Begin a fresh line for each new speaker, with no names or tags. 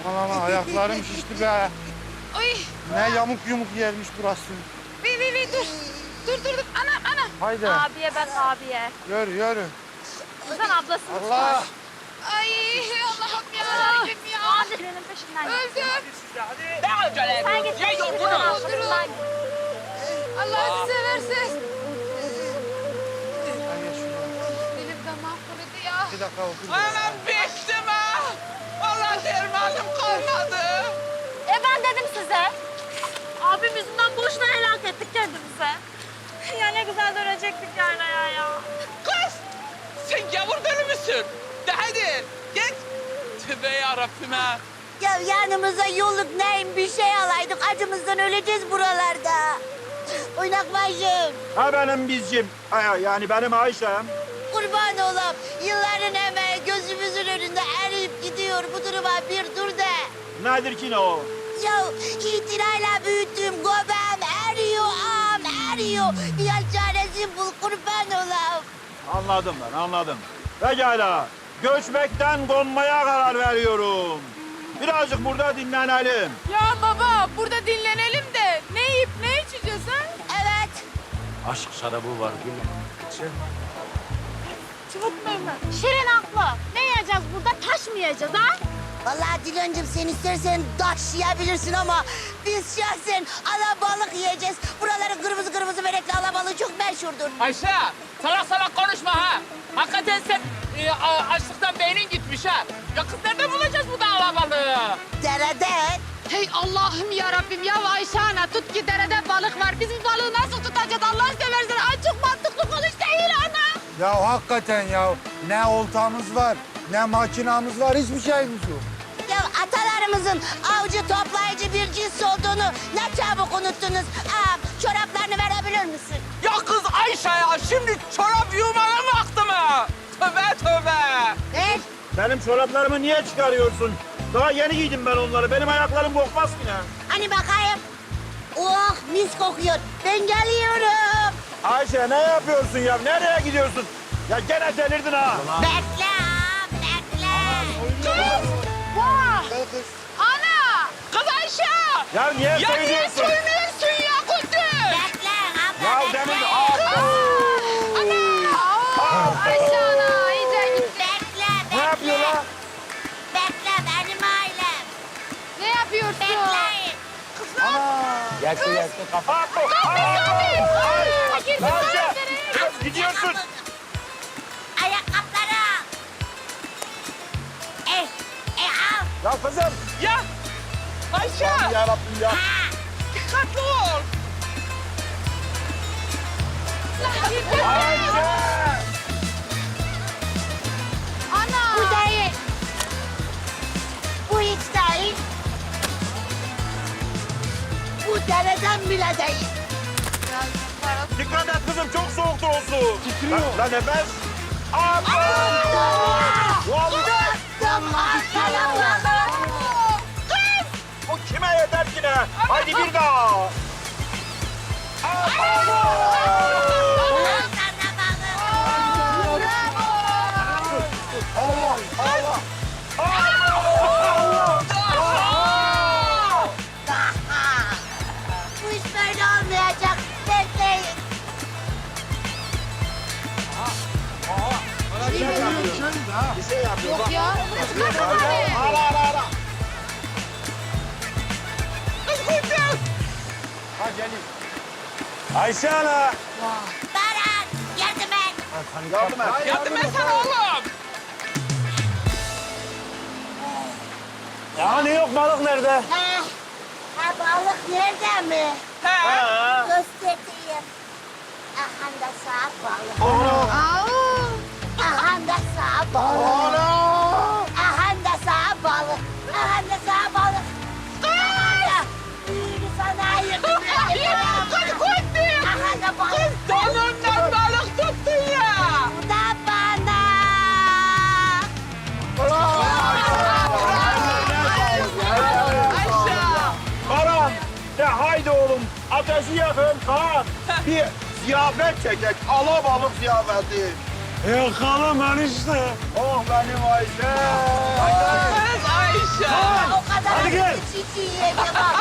Aman aman ayaklarım şişti be.
Ay.
Ne yamuk yumuk yermiş burası.
Dur. Dur. Anam.
Haydi
Abiye bak abiye.
yürü.
Sen ablasını
Allah.
çıkar.
Ay Allah'ım yarabbim ya.
Hadi trenin peşinden git.
Öldüm.
Ne acele
Sen
ediyorsun?
git.
Ya
trenin
yorgunum.
arkasından git.
Allah'ını seversen.
Ay, geç şuraya.
Benim damağım kurudu ya.
Bir dakika otur.
Anam bittim ha. Vallahi dermanım kalmadı.
Ben dedim size. Abim yüzünden boşuna helak ettik kendimize. Ya ne güzel dönecektik yaylaya ya.
Kız sen gavur deli misin? De hadi git. Tövbe yarabbim ha.
Ya yanımıza yolluk neyim bir şey alaydık. Acımızdan öleceğiz buralarda. Oynak bacım.
Ha benim bizcim. Yani benim Ayşem.
Kurban olam. Yılların emeği gözümüzün önünde eriyip gidiyor. Bu duruma bir dur de.
Nedir ki ne o?
Ya itinayla büyüttüğüm göbeğim eriyor ağam eriyor. Bir yol çaresi bul kurban olam.
Anladım ben, anladım. Pekala. Göçmekten konmaya karar veriyorum. Birazcık burada dinlenelim.
Ya baba burada dinlenelim de ne yiyip ne içeceğiz ha?
Evet.
Aşk şarabı var gülüm.
Şirin haklı. Ne yiyeceğiz burada? Taş mı yiyeceğiz ha?
Vallahi Dilancığım sen istersen taş yiyebilirsin ama biz şahsen alabalık yiyeceğiz. Buraların kırmızı benekli alabalığı çok meşhurdur.
Ayşe salak konuşma ha. Hakikaten sen açlıktan beynin gitmiş ha. Ya kız nerede bulacağız bu da alabalığı?
Derede.
Hey Allah'ım yarabbim ya Ayşe ana tut ki derede balık var. Biz bu balığı nasıl tutacağız Allah seversen? Ay çok mantıklı konuş değil ana.
Ya hakikaten ya. Ne oltamız var, ne makinamız var, hiçbir şeyimiz yok.
Ya atalarımızın avcı toplayıcı bir cins olduğunu ne çabuk unuttunuz. Çoraplarını verebilir misin?
Ya kız Ayşe ya şimdi çorap yumana mı aktı mı? Tövbe.
Ver.
Benim çoraplarımı niye çıkarıyorsun? Daha yeni giydim ben onları. Benim ayaklarım kokmaz ki ne?
Hani bakayım. Oh mis kokuyor. Ben geliyorum.
Ayşe ne yapıyorsun ya? Nereye gidiyorsun? Ya gene delirdin ha.
Bekle ağam, bekle.
Gel kız.
Ana.
Kız Ayşe.
Ya niye
Ya niye
söylüyorsun?
söylüyorsun ya Kudüs?
Bekle abla
Ya
bekle.
demin...
Ayşe ana iyice git.
Bekle,
Ne yapıyor
bekle.
lan?
Bekle benim ailem.
Ne yapıyorsun?
Bekleyin.
Ayşe! Gidiyorsun.
Ayakkabıları al. Al.
Ya kızım.
Ya Ayşe
Yarabbim ya.
Ha.
dikkatli ol.
Ayşe!
Ana.
Bu değil. Bu hiç değil. Bu dereden bile değil.
Dikkat et kızım çok soğuktur o su. Titriyor. Lan nefes. Abla! Vallahi bu kime yeter ki ne? Haydi bir daha.
Bu iş böyle olmayacak. Bekleyin.
Bir şey yapıyor.
Yok ya.
Ara. Ha gelin. Ayşe ana.
Baran yardım et.
Yardım et.
Yardım etsene oğlum.
Ya ne yok balık nerede?
Ha balık nerede mi?
He.
Ha.
Göstereyim. Aha da sağ balık.
Onu.
Aha da sağ balık. Aha da sağ balık. Aha da sağ balık. Büyüğünü sana ayırdım.
Kız Kudüs.
Aha da balık.
Donundan balık tuttun ya.
Bu da bana.
Ayşe.
Baran. De haydi oğlum. Ateşi yakın. Kaan. Bir ziyafet çekek. Alabalık ziyafeti. Yakalım enişte. Oh benim Ayşe.
Kız Ayşe.
O kadar
Çekil.
Çiğ çiğ yiyeyim ya bak.